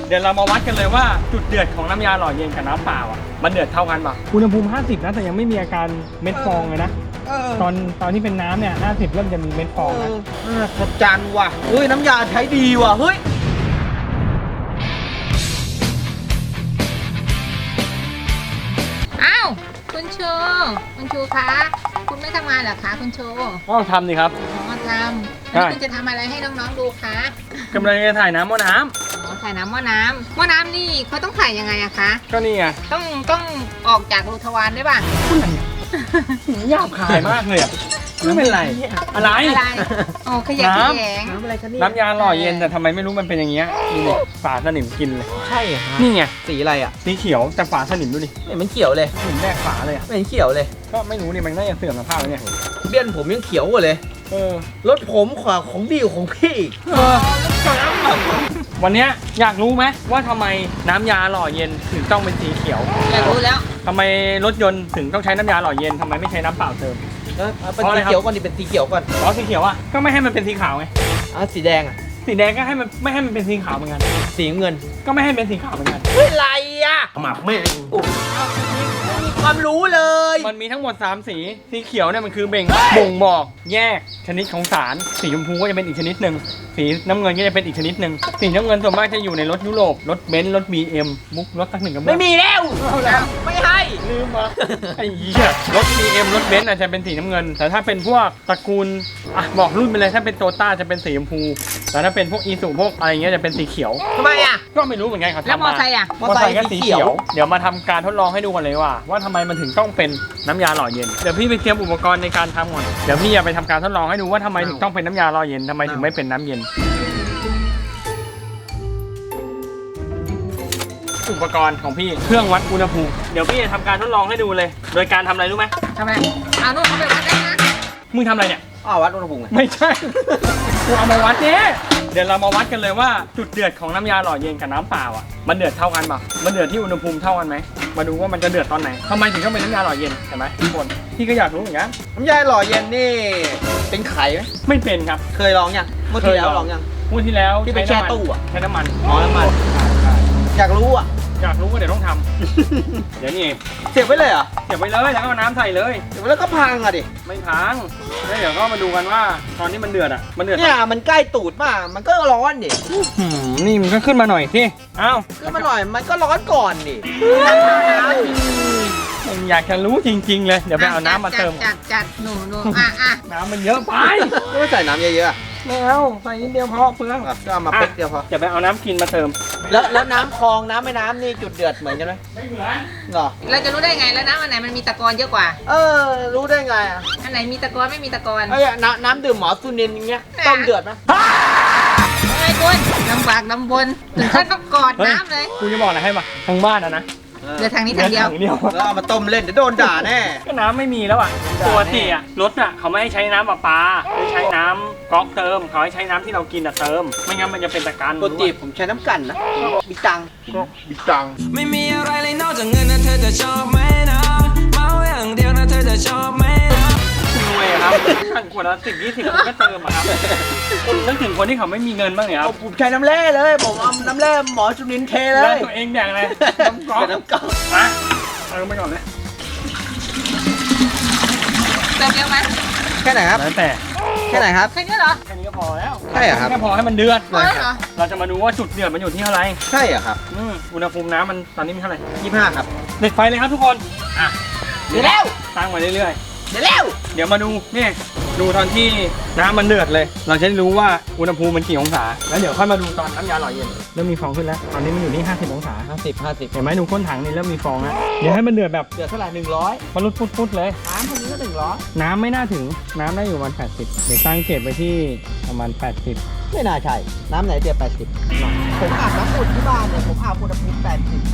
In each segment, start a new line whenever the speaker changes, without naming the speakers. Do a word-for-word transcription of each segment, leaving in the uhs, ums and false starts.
เดี๋ยวเรามาวัดกันเลยว่าจุดเดือดของน้ำยาหล่อเย็นกับน้ำเปล่าอ่ะมันเดือดเท่ากันป่ะอุณหภูมิห้าสิบนะแต่ยังไม่มีอาการเม็ดฟองเลยนะตอนตอนที่เป็นน้ำเนี่ยห้าสิบเริ่มจะมีเม็ดฟองนะ
ขอบจันว่ะเฮ้ยน้ำยาใช้ดีว่ะเฮ้ย
อ้าวคุณชูคุณชูคะคุณไม่ทำงานเหรอคะคุณชู
ก็ทำดิครับ
อ๋อทำแล้วคุณจะทำอะไรให้น้องๆดูคะ
กำลังจะถ่ายน้ำหม้อน้
ำอ๋อถ่ายน้ำหม้อน้ำหม้อน้ำนี่เขาต้องถ่ายยังไงอะคะ
ก็นี่ไง
ต้องต้องออกจากรูทวารด้วยป่ะ
หยาบคายมากเลยอ่ะไม่เป็นไรอะไร
อะไรโอ้ขยะแขยง
น้ำอะไรคะนี่น้ำยาหล่อเย็นแต่ทำไมไม่รู้มันเป็นอย่างเงี้ยดูดิฝาสนิมกินเลย
ใช่เหรอ
นี่ไง
สีอะไรอ่ะ
สีเขียวแต่ฝาสนิมดูดิ
ไม่มันเขียวเลย
สนิมแรกฝาเลยอ่ะ
ไม่เห็นเขียวเลย
ก็ไม่รู้นี่มันน่าจะเสื่อมสภาพแล้วเนี่ย
เบี้ยนผมยังเขียวกว่าเลย
เออ
รถผมขวาของดีของพี่
เออวันนี้อยากรู้ไหมว่าทำไมน้ำยาหล่อเย็นถึงต้องเป็นสีเขียว
อยากรู้แล้ว
ทำไมรถยนต์ถึงต้องใช้น้ำยาหล่อเย็นทำไมไม่ใช้น้ำเปล่าเติม
เออเป็นสีเขียวก่อนดิเป็นสีเขียวก่อน
อ๋อสีเขียวอ่ะก็ไม่ให้มันเป็นสีขาวไง
อ๋อสีแดงอ่ะ
สีแดงก็ให้มันไม่ให้มันเป็นสีขาวเหมือนกัน
สีเงิน
ก็ไม่ให้เป็นสีขาวเหมือนกัน
เฮ้ยไรอ่ะหมักไม่มีความรู้เลย
มันมีทั้งหมดสามสีสีเขียวเนี่ยมันคือเบ่งบ่งบอกแยกชนิดของสารสีชมพูก็จะเป็นอีกชนิดหนึ่งสีน้ำเงินก็จะเป็นอีกชนิดหนึ่งสีน้ำเงินส่วนมากจะอยู่ในรถยุโรปรถเบนซ์รถ บี เอ็ม มุกรถตั้งหนึ่งกับ
ไม่มีแล้วไม่ให้
ลืมมาไอ้เหี้ยรถ บี เอ็ม รถเบนซ์อาจจะเป็นสีน้ำเงินแต่ถ้าเป็นพวกตระกูลอ่ะบอกรุ่นไปเลยถ้าเป็นโตต้าจะเป็นสีชมพูแต่ถ้าเป็นพวกอีซูพวกอะไรเงี้ยจะเป็นสีเขียว
ทำไมอ่ะ
ก็ไม่รู้เหมือนกันเขาทำมา
แล้วมอไซค์อ่ะ
มอไซค์ก็สีเขียวเดี๋ยวมาทำการทดลองให้ดูกันเลยว่าว่าทำไมมันถึงต้องเป็นน้ำยาหล่อเย็นเดี๋ยวพี่ไปเตรียมอุปกรณ์ในการทำก่อนเดี๋ยวพี่จะไปทำการทดลองให้ดูว่าทำไมถึงต้องเป็นน้ำยาหล่อเย็นทำไมถึงไม่เป็นน้ำเย็นอุปกรณ์ของพี่เครื่องวัดอุณหภูมิเดี๋ยวพี่จะทำการทดลองให้ดูเลยโดยการทำอะไรรู้ไหม
ทำไมเอานู่นเขาไปวัดได้นะ
มึงทำอะไรเนี่ย
อ้าววัดอุณหภูมิ
ไม่ใช่กูเอามาวัดเนี่ยเดี๋ยวเรามาวัดกันเลยว่าจุดเดือดของน้ำยาหล่อเย็นกับน้ำเปล่าอ่ะมันเดือดเท่ากันป่ะมันเดือดที่อุณหภูมิเท่ากันไหมมาดูว่ามันจะเดือดตอนไหนทำไมถึงต้องเป็นน้ำยาหล่อเย็นเห็นไหมทุกคนพี่ก็อยากรู้เหมือนกัน
น้ำยาหล่อเย็นนี่เป็นไข่ไหม
ไม่เป็นครับ
เคยลองยังเมื่อที่แล้วลองยัง
เมื่อที่แล้ว
ที่ไปแช่ตู้อ่ะ
ใช้น้ำมัน
อ๋อน้ำมันอยากรู้อ่ะ
อยากรู้ก็เดี๋ยวต้องทำเดี๋ยวนี่
เสียบไว้เลยเหรอ
เสียบไว้เลยแล้วก็น้ำใส่เลย
เสียบไว้แล้วก็พังอ่ะดิ
ไม่พังแล้วเดี๋ยวก็มาดูกันว่าตอนนี้มันเดือดอ่ะมันเดือด
เนี่ยมันใกล้ตูดมากมันก็ร้อนดิ
นี่มันก็ขึ้นมาหน่อยสิอ้าว
ขึ้นมาหน่อยมันก็ร้อนก่อนดิ
อยากจะรู้จริงๆเลยเดี๋ยวไปเอาน้ำมาเติม
จัดจัดหนูหนูอ่ะอ่ะ
น้ำมันเยอะไป
ไม่ใส่น้ำเยอะๆ
แล้วใส่นิดเดียวพอเพื่อน
ก็เอามาเป๊กเดียวพอ
จะไปเอาน้ำกินมาเติม
แล้วแล้วน้ำคลองน้ำแม่น้ำนี่จุดเดือดเหมือนกันไหม
ไม่เหมือน
หรอ
เราจะรู้ได้ไงแล้วน้ำอันไหนมันมีตะกอนเยอะกว่า
เออรู้ได้ไงอ่ะ
อันไหนมีตะกอนไม่มีตะกอน
ไอ้น้ำน้ำดื่มหมอซูนินอย่างเงี้ยต้มเดือดไหม
ไอ้คุณลำบากลำบนถึงขั้นต้องกอดน้ำเลย
กูจะบอกอะไรให้ป่ะทางบ้านอะนะ
เดี๋ยวทางนี้ทางเดียว
แล้วเอามาต้มเล่นเดี๋ยวโดนด่าแน่
ก็น้ำไม่มีแล้วอ่ะปกติอ่ะรถอ่ะเขาไม่ให้ใช้น้ำประปาไม่ใช้น้ำก๊อกเติมเขาให้ใช้น้ำที่เรากินอ่ะเติมไม่งั้นมันจะเป็นตะกัน
ปกติผมใช้น้ำกันนะบิตัง
บิตัง
ไม่มีอะไรเลยนอกจากเงินนะเธอจะชอบไหมนะเมาอย่างเดียวนะเธอจะชอบไหมนะ
รวยครับขันขวดละสิบยี่สิบคนก็เติมอะครับคนนึกถึงคนที่เขาไม่มีเงินบ้างเนี่ยครับ
ผมใช้น้ำแร่เลยผมเอาน้ำแร่หมอจุลินเทเลย
แล้วตัวเองอย่างไรน้ำก๊อก
น้ำก๊อก
มาเติมไปก่อนเลย
เติมเยอะไหม
แค่ไหนครับ
แล้วแต่
แค่ไหนครับ
แค่นี้เหรอ
แค่นี้ก็พอแล้ว
ใช่ครับ
แค่พอให้มันเดือด
เลย
เราจะมาดูว่าจุดเดือดมันอยู่ที่เท่าไหร่
ใช่เหรอครับ
อุณหภูมิน้ำมันตอนนี้มีเท่าไหร่
ยี่สิบห้าครับ
เด็ดไฟเลยครับทุกคนอ่ะ
เดี๋ยวแล้ว
ตั้งมาเรื่อย
เดี๋ยวแล้ว
เดี๋ยวมาดูนี่ดูตอนที่น้ำมันเดือดเลยเราจะได้รู้ว่าอุณหภูมิมันกี่องศาแล้วเดี๋ยวค่อยมาดูตอนน้ำยาหล่อเย็นเริ่มมีฟองขึ้นแล้วตอนนี้มันอยู่ที่ห้าสิบองศา
ห้าสิบ ห้าสิบ
เห็นไหมดูก้นถังนี่เริ่มมีฟองแล้วเดี๋ยวให้มันเดือดแบบ
เดือดเท่าไหร่หนึ่งร้อย
มันรุดฟุดๆเลย
น้ำพวกนี้ก็หนึ่งร้อย
น้ำไม่น่าถึงน้ำได้อยู่ประมาณแปดสิบเดี๋ยวตั้งเกจไปที่ประมาณแปดสิบ
ไม่น่าใช่น้ำไหนเดือดแปดสิบผมอาบน้ำอุ่นที่บ้านเนี่ยผมอาบอุณหภูมิแปดสิบ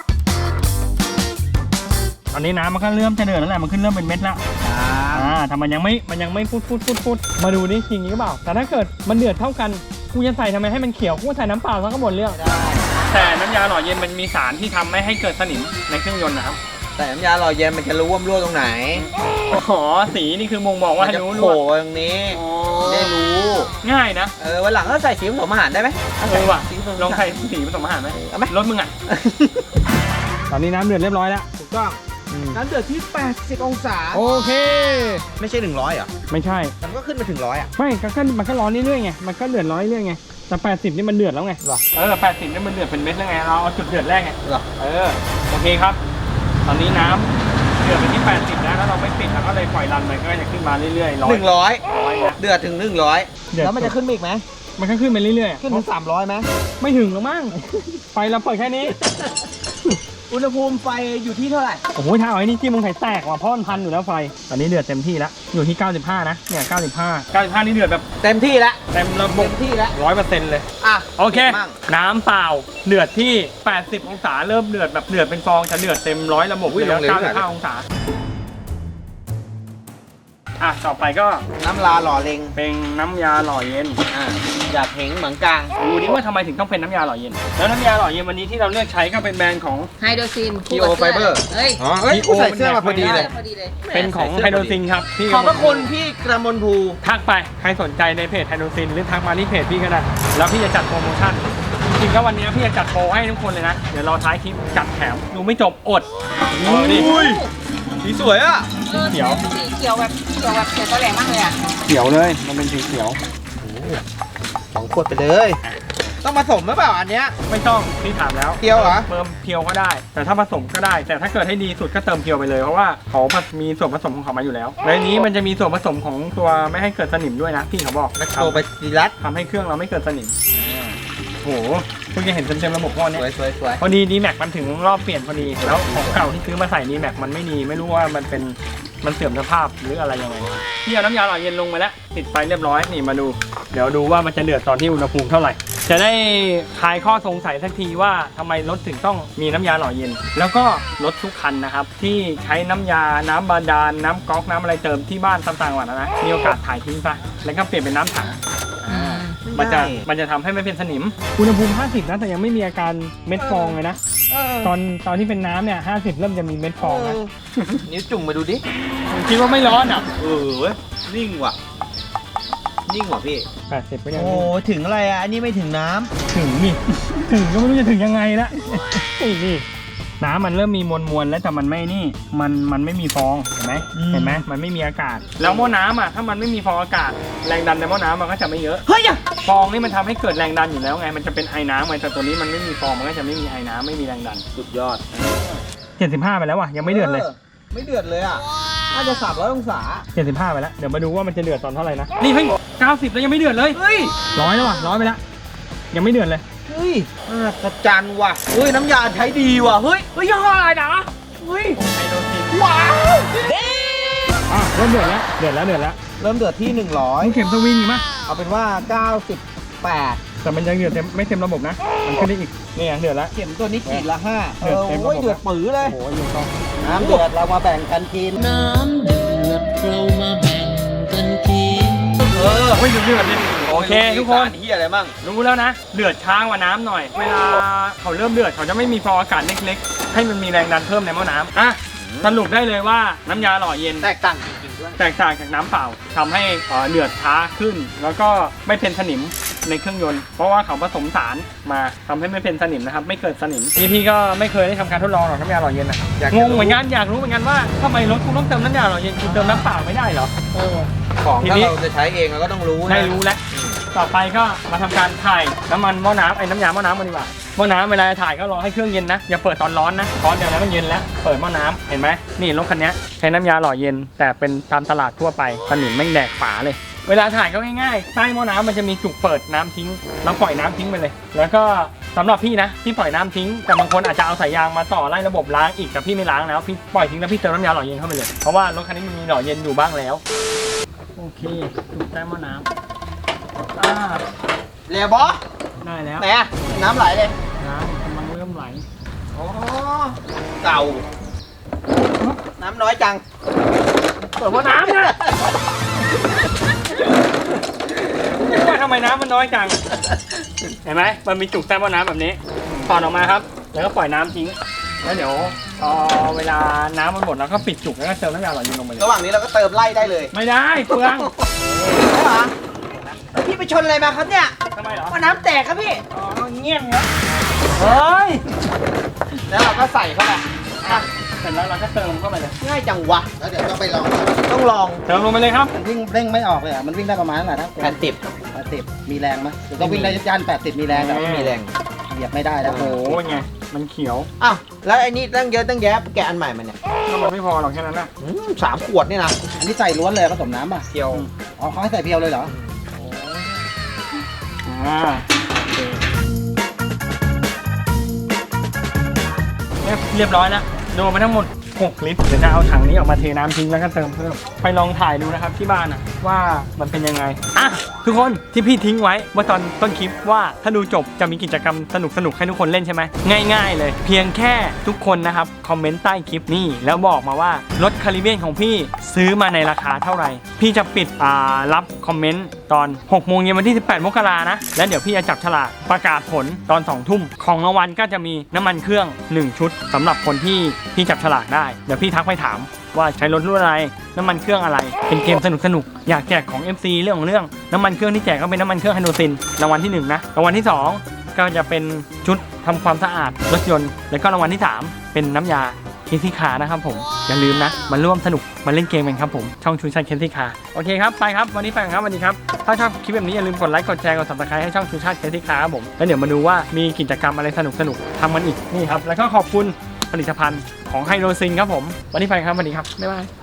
ตอนนี้น้ำมันก็เริ่มจะเดือดแล้วแหละมันขึ้นเริ่มเป็นเม็ดแล้วอ่าแต่มันยังไม่มันยังไม่ฟุดฟุดฟุดฟุดมาดูนี่จริงหรือเปล่าแต่ถ้าเกิดมันเดือดเท่ากันกูจะใส่ทำไมให้มันเขียวกูใส่น้ำเปล่าซะก็หมดเรื่องแต่น้ำยาหล่อเย็นมันมีสารที่ทำไม่ให้เกิดสนิมในเครื่องยนต์นะครับ
แต่น้ำยาหล่อเย็นมันจะรู้ว่ามันรั่วตรงไหน
อ๋อสีนี่คือมงบอกว่าให้รู้
รั่วตรงนี้
อ๋อ
ได้รู้
ง่ายนะ
เออวันหลังก็ใส่สีผสมอาหารได้ไหม
เออว่ะ
สีผสม
ลองใส่สีผสมอาหารไหม
เอาไหม
รถมึงอ่ะ ตอนนี้น้ำเดือดเรียบร้อยแล้ว
ถูกต้องน้ำเดือดที่แปดสิบองศา
โอเค
ไม่ใช่หนึ่งร้อยเหรอ
ไม่ใช่
แต่มันก็ขึ้นมาถึงร้อยอ่ะ
ไม่ก็ก็มันก็ร้อนเรื่อยๆไง มันก็เดือดร้อนเรื่อยๆไง แต่แปดสิบนี่มันเดือดแล้วไง
เหรอ
เออแปดสิบนี่มันเดือดเป็นเม็ดแล้วไง เราเอาจุดเดือดแรกไง
เหรอ
เออ โอเคครับ ตอนนี้น้ำเดือดไปที่แปดสิบแล้วแล้วเราไม่ปิดเราก็เลยปล่อยรันมันก็จะขึ้นมาเรื่อยๆร้อ
ห
ย
นึ่งร้อย
ร้อยนะ
เดือดถึงหนึ่งร้อย
เดือด
แล้วมันจะขึ้นมาอีกไหม
มันก็ขึ้นไปเรื่อยๆ
ขึ้นถึงสามร้อยไหม
ไม่ถึงหรอกมั้ง ไฟเราเปิดแค่นี้
อุณหภูมิไฟอยู่ที่เท่าไหร่
โอ้โหถ้าเอาไอ้นี่จิ้มลงไข่แตกว่ะเพราะมันพันอยู่แล้วไฟ ตอนนี้เดือดเต็มที่แล้ว อยู่ที่เก้าสิบห้านะ เนี่ยเก้าสิบห้า เก้าสิบห้านี่เดือดแบบ
เต็มที่แล้ว
เต็มระบ
เต็
บ
มที่แล้ว
ร้อยเปอร์เซ็นต์เลย
อ่ะ
โอเค
มั่ง
น้ำเปล่าเดือดที่ แปดสิบ องศาเริ่มเดือดแบบเดือดเป็นฟองจะเดือดเต็มร้อยระบบเลยแล้วเก้าสิบห้าองศา อ่ะ ต่อไปก็
น้ำลาหล่อเล็ง
เป็นน้ำยาหล่อเย็น
อ่าอยากเห็นเหมือนกลาง
ดูดิว่าทำไมถึงต้องเป็นน้ำยาหล่อเย็น แล้วน้ำยาหล่อเย็นวันนี้ที่เราเลือกใช้ก็เป็นแบรนด์ของ
ไฮโดรซิน
Keo Fiber
เฮ้ย
อ๋อเอ้ย
Keo
ใส่เสื้อมาพอดีเลย
พอดีเลย
เป็นของไฮโดรซินครับพี่
ขอบพระคุณพี่กระมวลภู
ทักไปใครสนใจในเพจไฮโดรซินหรือทักมาที่เพจพี่ก็ได้แล้วพี่จะจัดโปรโมชั่นจริงๆก็วันนี้พี่จะจัดโปรให้ทุกคนเลยนะเดี๋ยวรอท้ายคลิปจัดแถมดูไม่จบอดอ๋อนี่
อุ้ยสีสวยอ่ะ
เออ
เขียว
สีเขียวแบบเขียวแบบเขียวตะแหลงมากเลยอ่ะ
เขียวเลยมันเป็นสีเขียว
สองขวดไปเลย ต้องผสมหรือเปล่าอันเนี้ย
ไม่ต้องพี่ถามแล้ว
เพียวเหรอ
เติมเพียวก็ได้ แต่ถ้าผสมก็ได้ แต่ถ้าเกิดให้ดีสุดก็เติมเพียวไปเลยเพราะว่าเขามีส่วนผสมของเขามาอยู่แล้วในนี้มันจะมีส่วนผสมของตัวไม่ให้เกิดสนิมด้วยนะพี่เขาบอกและ
โตไปดีรัต
ทำให้เครื่องเราไม่เกิดสนิมโอ้โหเพิ่งจะเห็นเต็มๆระบบก้อน
ส
เนี้
วย
ย
สวยสวย
พอดีดีแม็กมันถึงรอบเปลี่ยนพอดีแล้วของเก่าที่ซื้อมาใส่ดีแม็กมันไม่ดีไม่รู้ว่ามันเป็นมันเสื่อมสภาพหรืออะไรยังไงพี่เอาน้ำยาหล่อเย็นลงไปแล้วติดไฟเรียบร้อยนี่มาดู เดี๋ยวดูว่ามันจะเดือดตอนที่อุณหภูมิเท่าไหร่จะได้คลายข้อสงสัยสักทีว่าทำไมรถถึงต้องมีน้ำยาหล่อเย็น แล้วก็รถทุกคันนะครับที่ใช้น้ำยาน้ำบาดาลน้ำก๊อกน้ำอะไรเติมที่บ้านต่างจังหวัดนะมีโอกาสถ่ายทิ้งซะแล้วก็เปลี่ยนเป็นน้ำถัง มันจะมันจะทำให้ไม่เป็นสนิม อุณหภูมิห้าสิบนะแต่ยังไม่มีอาการเม็ดฟองเลยนะ ตอนตอนที่เป็นน้ำเนี่ยห้าสิบเริ่มจะมีเม็ดฟองนะ
นิ้วจุ่มมาดูดิ
คิดว่าไม่ร้อนอ่ะ
เออเว้ยนิ่งว่ะ นิ่งว่ะพี่
แปดสิบก็ยัง
โอ้ถึงอะไรอ่ะ อันนี้ไม่ถึงน้ำ
ถึงนี่ ถึงก็ไม่รู้จะถึงยังไงละนี่นี่น้ำมันเริ่มมีมวลมวลแล้วแต่มันไม่นี่ มันมันไม่มีฟองเห็นไหมเห็นไหมมันไม่มีอากาศ แล้วหม้อน้ำอ่ะถ้ามันไม่มีฟองอากาศแรงดันในหม้อน้ำมันก็จะไม่เยอะ
เฮ้ยอะ
ฟองนี่มันทำให้เกิดแรงดันอยู่แล้วไงมันจะเป็นไอ้น้ำไงแต่ตัวนี้มันไม่มีฟองมันก็จะไม่มีไอ้น้ำไม่มีแรงดัน
สุดยอด
เจ็ดสิบห้าไปแล้วว่ะยังไม่เดือดเลย
ไม่เดือดเลยอ่ะ น่าจะสามร้อยองศา
เจ็ดสิบห้าไปแล้ว เดี๋ยวมาดูว่ามันจะเดือดตอนเท่าไหร่นะ นี่เฮ้ยเก้าสิบแล้วยังไม่เดือดเลย
เฮ้ย
ร้อยแล้วว่ะร้อยไปแล้วยังไม่เดือดเลย
เฮ้ยน่าประจันว่ะ เฮ้ย น้ำยาใช้ดีว่ะ เฮ้ย เฮ้ยยี่ห้ออะไรนะเฮ้ย
ไฮโดรซิน
ว้าว
อ่ะเริ่มเดือดแล้วเดือดแล้วเดือดแล้ว
เริ่มเดือดที่หนึ่งร้อย
ต้องเข็มสวิงอีกมั้ย
เอาเป็นว่าเก้าสิบแปด
แต่มันยังเดือดเต็มไม่เต็มระบบนะมันขึ้นได้อีกนี่เดือดแล้ว
เข็มตัวนี้ขีดละห้าเอ
เดือด
อ
เต็มระบบ
โอ้ยเดือดปื้อเลย
โอ้โหยังต้อง
น้ำเดือดเรามาแบ่งกันกิน
น้ำเดือดเรามาแบ่งกันกิน
เออ
เฮ้ยเดือดเดือดดิโอเคทุกคน
เฮียอะไรมั่ง
รู้แล้วนะเดือดช้ากว่าน้ำหน่อย เวลาเขาเริ่มเดือดเขาจะไม่มีฟองอากาศเล็กๆให้มันมีแรงดันเพิ่มในหม้อน้ำอ่ะสรุปได้เลยว่าน้ำยาหล่อเย็น
แตกต่างจริงๆด้วย
แตกต่างจากน้ำเปล่าทำให้เอ่อเดือดช้าขึ้น แล้วก็ไม่เป็นสนิมในเครื่องยนต์ เพราะว่าเขาผสมสารมาทำให้ไม่เป็นสนิมนะครับไม่เกิดสนิมพี่พี่ก็ไม่เคยได้ทำการทดลองหรอกน้ำยาหล่อเย็นนะ
อยาก
ง
จะ
งเหมือนกันอยากรู้เหมือนกันว่าทำไมรถคุณต้องเติมน้ำยาหล่อเย็นคุณเติมน้ำเปล่าไม่ได้เหรอเออ
ของ
ที
ถ้า
นี้
เราจะใช้เองเราก็ต้องรู้นะ
ได้รู้แล้วต่อไปก็มาทำการถ่ายน้ำมันหม้อน้ำไอ้น้ำยาหม้อน้ำกันดีกว่าหม้อน้ำเวลาถ่ายก็รอให้เครื่องเย็นนะอย่าเปิดตอนร้อนนะตอนเดียวแล้วมันเย็นแล้วเปิดหม้อน้ำเห็นไหมนี่รถคันนี้ใช้น้ำยาหล่อเย็น แต่เป็นตามตลาดทั่วไปสนิมไม่แดกฝาเลย เวลาถ่ายก็ง่ายๆใต้หม้อน้ำมันจะมีจุกเปิดน้ำทิ้งเราปล่อยน้ำทิ้งไปเลย แล้วก็สำหรับพี่นะพี่ปล่อยน้ำทิ้งแต่บางคนอาจจะเอาสายยางมาต่อไล่ระบบล้างอีกแต่พี่ไม่ล้างแล้วพี่ปล่อยทิ้งแล้วพี่เติมน้ำยาหล่อเย็นเข้าไปเลยเพราะว่ารถคันนี้มันมีหล่อเย็นอยู่บ้างแล้วโอเคจุกใต้หม้อน้ำอ่า
เรียบอ
ได้แล้ว
ไหนอะน้ำไหลเลย
น้ำกำลังเริ่มไหล
อ๋อ เก่า น้ำน้อยจัง
เปิดหม้อน้ำนะว่าทำไมน้ำมันน้อยจังเห็นไหมมันมีจุกใต้หม้อน้ำแบบนี้ถอดออกมาครับแล้วก็ปล่อยน้ำทิ้งแล้วเดี๋ยวพอเวลาน้ำมันหมดเราก็ปิดจุกแล้วก็เติมน้ำยาหล่อเย็นลงไปเลย
ระหว่างนี้เราก็เติมไล่ได้เลย
ไม่ได้เปลือง
ใช่เหรอแล้วพี่ไปชนอะไรมาครับเนี่ย
ทำไมเหรอ
ว่าน้ำแตกครับพี่
อ๋อเงี้ยงเหรอ
เฮ้ย แล้วเราก็ใส่เข้าไปอ่ะ
เสร็จแล้วเราก็เติมเข้าไปเลย
ง่ายจังวะ
แล้วเดี๋ยวต้องไปลอง
ต้องลอง
เติมลงไปเลยครับ
มันวิ่งเร่งไม่ออกเลยอ่ะ มันวิ่งได้ประมาณเท่าไหร่นะ
แผ่นติด
แปดสิบมีแรงไหมหรือต้องวิ่งได้ยันแปดสิบมีแรงแต่
ไม่มีแรง
เหยียบไม่ได้แล้ว
โอ้โหไงมันเขียว
อ้าวแล้วไอ้นี่ตั้งเยอะตั้งแยะแกะอันใหม่มันเนี่ย
ก็มันไม่พอหรอกแค่นั้นนะ
อืมสามขวดนี่นะ
อันนี้ใส่ล้วนเลยผสมน้ำป่ะ
เกียว
อ๋อเขาให้ใส่เพียวเลยเหรอ
อ่าโอเคเนี่ยเรียบร้อยแล้วโดนไปทั้งหมดหกลิตรเดี๋ยวจะเอาถังนี้ออกมาเทน้ำทิ้งแล้วก็เติมเพิ่มไปลองถ่ายดูนะครับที่บ้านอะว่ามันเป็นยังไงอ่ะทุกคนที่พี่ทิ้งไว้เมื่อตอนต้นคลิปว่าถ้าดูจบจะมีกิจกรรมสนุกสนุกๆให้ทุกคนเล่นใช่ไหมง่ายๆเลย เพียงแค่ทุกคนนะครับคอมเมนต์ใต้คลิปนี้แล้วบอกมาว่ารถคาริเบียนของพี่ซื้อมาในราคาเท่าไหร่พี่จะปิดอ่ารับคอมเมนต์ตอนหกโมงเย็นวันที่สิบแปดมกรานะแล้วเดี๋ยวพี่จะจับฉลากประกาศผลตอนสองทุ่มของรางวัลก็จะมีน้ำมันเครื่องหนึ่งชุดสำหรับคนที่พี่จับฉลากได้เดี๋ยวพี่ทักไปถามว่าใช้รถรุ่นอะไรน้ำมันเครื่องอะไรเป็นเกมสนุกสนุกๆอยากแจกของ เอฟ ซี เรื่องของเรื่องน้ำมันเครื่องที่แจกก็เป็นน้ำมันเครื่องไฮโดรซินรางวัลที่หนึ่งนะรางวัลที่สองก็จะเป็นชุดทำความสะอาดรถยนต์แล้วก็รางวัลที่สามเป็นน้ำยาเคนซี่คาร์นะครับผมอย่าลืมนะมาร่วมสนุกมาเล่นเกมกันครับผมช่องชูชาติเคนซี่คาร์โอเคครับไปครับวันนี้ไปกันครับสวัสดีครับถ้าชอบคลิปแบบนี้อย่าลืมกดไลค์กดแชร์กด ซับสไครบ์ ให้ช่องชูชาติเคนซี่คาร์ครับผมแล้วเดี๋ยวมาดูว่ามีกิจกรรมอะไรสนุกสนุกๆทำกันอีกนี่ครับแล้วก็ขอบคุณผลิตภัณฑ์ของไฮโดรซินครับผมวันนี้ไปครับสวัสดีครับบ๊ายบาย